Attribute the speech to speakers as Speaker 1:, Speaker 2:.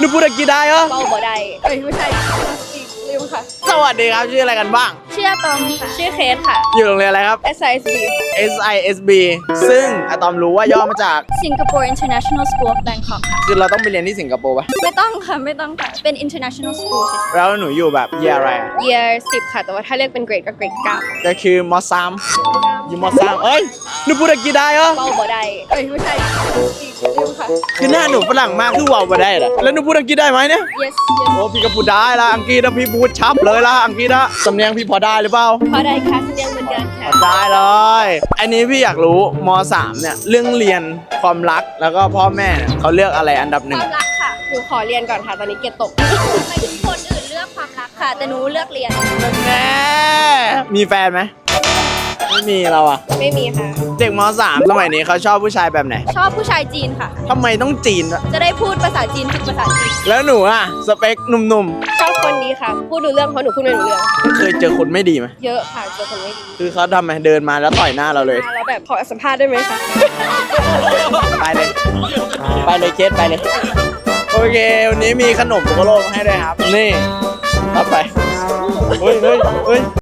Speaker 1: พูดอังกฤษได้เหรอ
Speaker 2: เบาบ่ได้ไม่ใช่ลืมค่ะ
Speaker 1: สวัสดีครับชื่ออะไรกันบ้าง
Speaker 2: ชื่ออะตอมค่ะชื่อเคสค่ะ
Speaker 1: อยู่โรงเรียนอะไรครับ
Speaker 2: SISB
Speaker 1: SISB ซึ่งอะตอมรู้ว่าย่อมาจาก
Speaker 2: Singapore International School of Bangkok ค่ะ
Speaker 1: คือเราต้องไปเรียนที่สิงคโปร์ปะ
Speaker 2: ไม่ต้องค่ะไม่ต้องค่ะเป็น international school เฉย
Speaker 1: แล้วหนูอยู่แบบเยียอะไรอะ
Speaker 2: ๆ year 10 ค่ะ แต่ว่าถ้าเรียกเป็นเกรดก็เกรด9
Speaker 1: ก็คือมสามอยู่มสามเอ้ยหนูพูดอังกฤษได้เหรอ
Speaker 2: เบาบ่ได้ไม่ใช่ลืมค่ะ
Speaker 1: คือหน้าหนูฝรั่งมากคือว่าวมาได้เหรอแล้วหนูพูดอังกฤษได้ไหมเนี่ย
Speaker 2: yes
Speaker 1: โอ้พี่ก็พูดได้ละอังกฤษนะพี่พูดชับเลยละอังกฤษนะสำเนียงพี่พอได้หรือเปล่า
Speaker 2: พอได้ค่ะเรียนเหมือนกันค่ะ
Speaker 1: ได้เลยอันนี้พี่อยากรู้ม3เนี่ยเรื่องเรียนความรักแล้วก็พ่อแม่เนี่ยเขาเลือกอะไรอันดับห
Speaker 2: ค
Speaker 1: นึ่ง
Speaker 2: วามรักค่ะหนูขอเรียนก่อนค่ะตอนนี้เกรดตกไปถึงคนอื่นเลือกความรักค่ะ แต่หนูเลือกเรียน
Speaker 1: แน่มีแฟนไหมไม่มีเราอะ
Speaker 2: ไม่มีค่ะ
Speaker 1: เด็กม3สมัยนี้เขาชอบผู้ชายแบบไหน
Speaker 2: ชอบผู้ชายจีนค่ะ
Speaker 1: ทำไมต้องจีนวะ
Speaker 2: จะได้พูดภาษาจีนฝึกภาษาจีน
Speaker 1: แล้วหนูอะสเปคหนุ่ม
Speaker 2: ชอบคนดีค่ะ พูดดูเรื่องเพราะหนูพูดไม่รู้เรื่อง
Speaker 1: ๆเคยเจอคนไม่ดีไหม
Speaker 2: เยอะค่ะเจอคนไม่ดี
Speaker 1: คือเขาทำไมเดินมาแล้วต่อยหน้าเราเลย
Speaker 2: แล้วแบบขอสัมภาษณ์ได้ไหมคะ
Speaker 1: ไปเลย ไปเลยเคสไปเลย โอเค วันนี้มีขนมโกโลมาให้ด้วยครับ นี่รับไป เฮ้ย